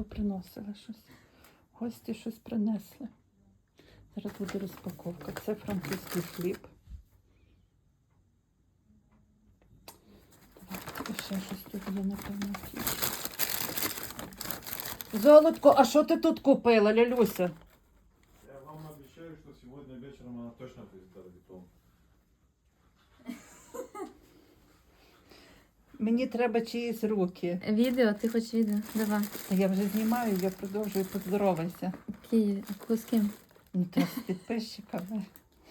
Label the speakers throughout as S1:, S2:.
S1: поприносили щось. Гості щось принесли. Зараз буде розпаковка. Це французький хліб. І ще щось тут є, напевно. Золотко, а що ти тут купила, Лялюся?
S2: Я вам обещаю, что сегодня вечером она точно будет готова.
S1: Мені треба чиїсь руки.
S3: Відео, ти хочеш відео? Давай.
S1: Я вже знімаю, я продовжую, поздоровайся.
S3: З ким?
S1: Ну, то з підписчиками.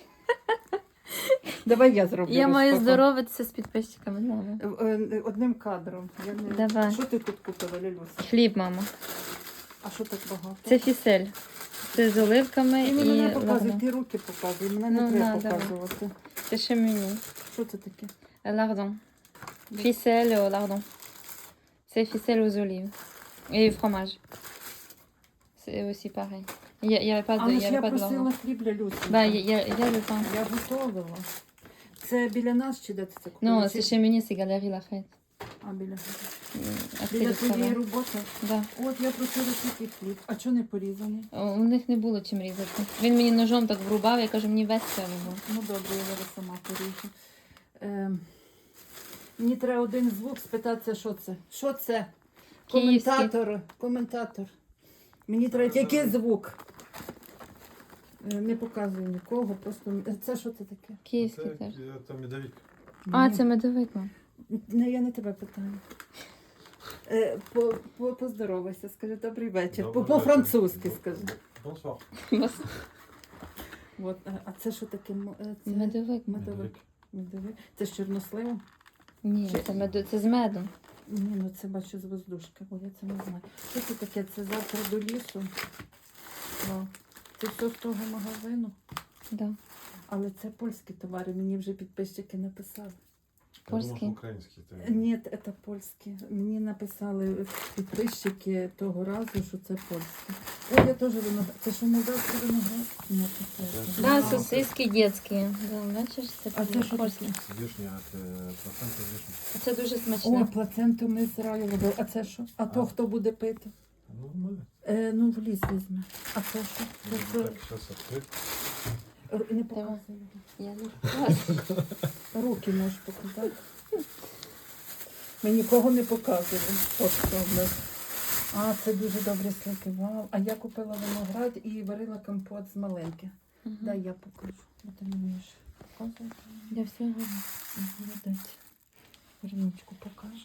S1: Давай я зроблю
S3: Я маю
S1: розпаковку.
S3: здоровитися з підписчиками. Давай.
S1: Одним кадром.
S3: Давай.
S1: Що ти тут купила, Лялюся?
S3: Хліб, мама.
S1: А що так багато?
S3: Це фісель. Це з оливками
S1: Ти мені не
S3: і
S1: показуй,
S3: lardon.
S1: ти руки показуй, мене не
S3: Ну,
S1: треба
S3: на, давай.
S1: показувати.
S3: Це ще мені.
S1: Що це таке?
S3: Lardon. Фісель au lardon. C'est ficelle aux olives. Et fromage. C'est aussi pareil. Il y avait pas de,
S1: Але
S3: il y
S1: ж
S3: avait
S1: я
S3: pas de
S1: просила
S3: lardon.
S1: хліб Лялюсі.
S3: Bah, il y a le pain.
S1: Я готувала. Це біля нас чи де ти це купила?
S3: Non, c'est chez Meunier, c'est Galerie Lafayette.
S1: А, біля.
S3: Après
S1: Біля
S3: le
S1: твоєї
S3: travail.
S1: роботи?
S3: Да.
S1: От я просила тільки хліб. А чого не порізаний?
S3: У них не було чим різати. Він мені ножом так врубав, я кажу, мені весь це вибув.
S1: Ну добре, я зараз сама поріжу. Мені треба один звук спитатися, що це. Що це?
S3: Київський.
S1: Коментатор. Мені треба який звук. Не показую нікого, просто це що це таке?
S3: Київський теж.
S2: Это медовик.
S3: А, це медовик, мам.
S1: Не, я не тебе питаю. Поздоровайся, скажи добрий вечір.
S2: Добрий
S1: По-французьки
S2: вечір.
S1: скажи.
S2: Bonsoir.
S1: От, а це що таке? Це
S3: Медовик.
S1: медовик. Медовик. Це з чорносливом?
S3: Ні, це з медом.
S1: Ні, ну це бачу з воздушки, бо я це не знаю. Що це таке? Це завтра до лісу. Вау. Це все з того магазину.
S3: Да.
S1: Але це польські товари, мені вже підписчики написали.
S2: Я думал, что
S3: Польский?
S2: украинский.
S1: Ні, це польські. Мені написали підписчики того разу, що це польські. Ой, я теж виноград. Це що, молдавський виноград? Ні, це теж.
S3: Да, сосиски детські. Да, бачиш,
S1: А це що
S3: польські.
S1: таке?
S2: Вишня, это процент вишни.
S3: Це дуже
S1: О,
S3: смачне.
S1: плаценту ми з раю робили. А це що? А то хто буде пити?
S2: Ну, мы.
S1: Ну, в ліс візьме. А це що? Це що?
S2: Так, сейчас открыть.
S1: Не показуй.
S3: Я не вкладу.
S1: Руки можеш показати. Ми нікого не показуємо. От що в нас. А, це дуже добрі слики. Вау. А я купила виноград і варила компот з маленьки. Дай я покажу. Бо ти не вмієш показувати.
S3: Я все говорю.
S1: Молодець. Верничку покажу.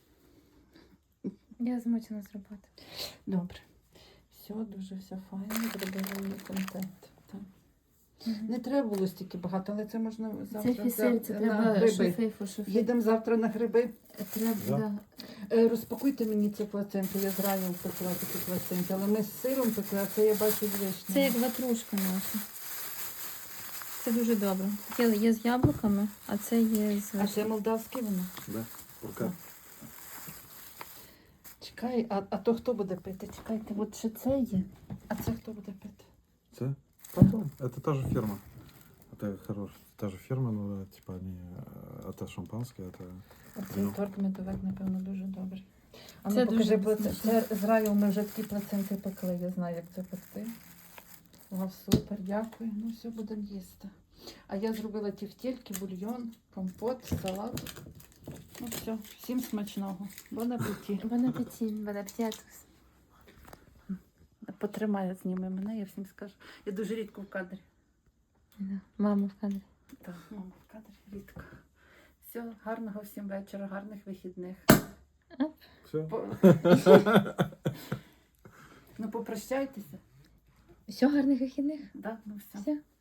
S3: Я змучена з роботи.
S1: Добре. Все, дуже все файно. Зробила мені контент. Так. Не треба було стільки багато, але це можна завтра
S3: Це фісель, це
S1: на
S3: треба
S1: гриби.
S3: шофейфу, шофейфу.
S1: Їдемо завтра на гриби.
S3: Треба,
S2: Да.
S3: да.
S1: Розпакуйте мені цю плаценту, я з раю пекла такі плаценти, але ми з сиром пекли, а це я бачу з вишнею.
S3: Це як ватрушка наша. Це дуже добре. Таке є з яблуками, а це є з
S1: А це
S3: вишнею.
S1: молдавське воно?
S2: Да. Рука.
S1: Чекай, а то хто буде пити? Чекайте, от ще це є. А це хто буде пити?
S2: Це? Потом. Это та же ферма. Это хорошая. Та же ферма, но типа они... Это шампанское, это...
S1: Оцей торт медовик, напевно, дуже добрий. А
S3: Це
S1: ну покажи,
S3: дуже смачно.
S1: це з раю ми вже такі плаценти пекли, я знаю, як це пекти. Вау, супер, дякую. Ну, все, будемо їсти. А я зробила тефтельки, бульйон, компот, салат. Ну все, всім смачного. Бон апеті.
S3: Бон апетит, бон апетитус.
S1: Потримай, зніми мене, я всім скажу. Я дуже рідко в кадрі.
S3: Да. Мама в кадрі.
S1: Так, мама в кадрі рідко. Все, гарного всім вечора, гарних вихідних.
S2: Все?
S1: Ну, попрощайтеся.
S3: Все, гарних вихідних.
S1: Да, ну все.
S3: Все.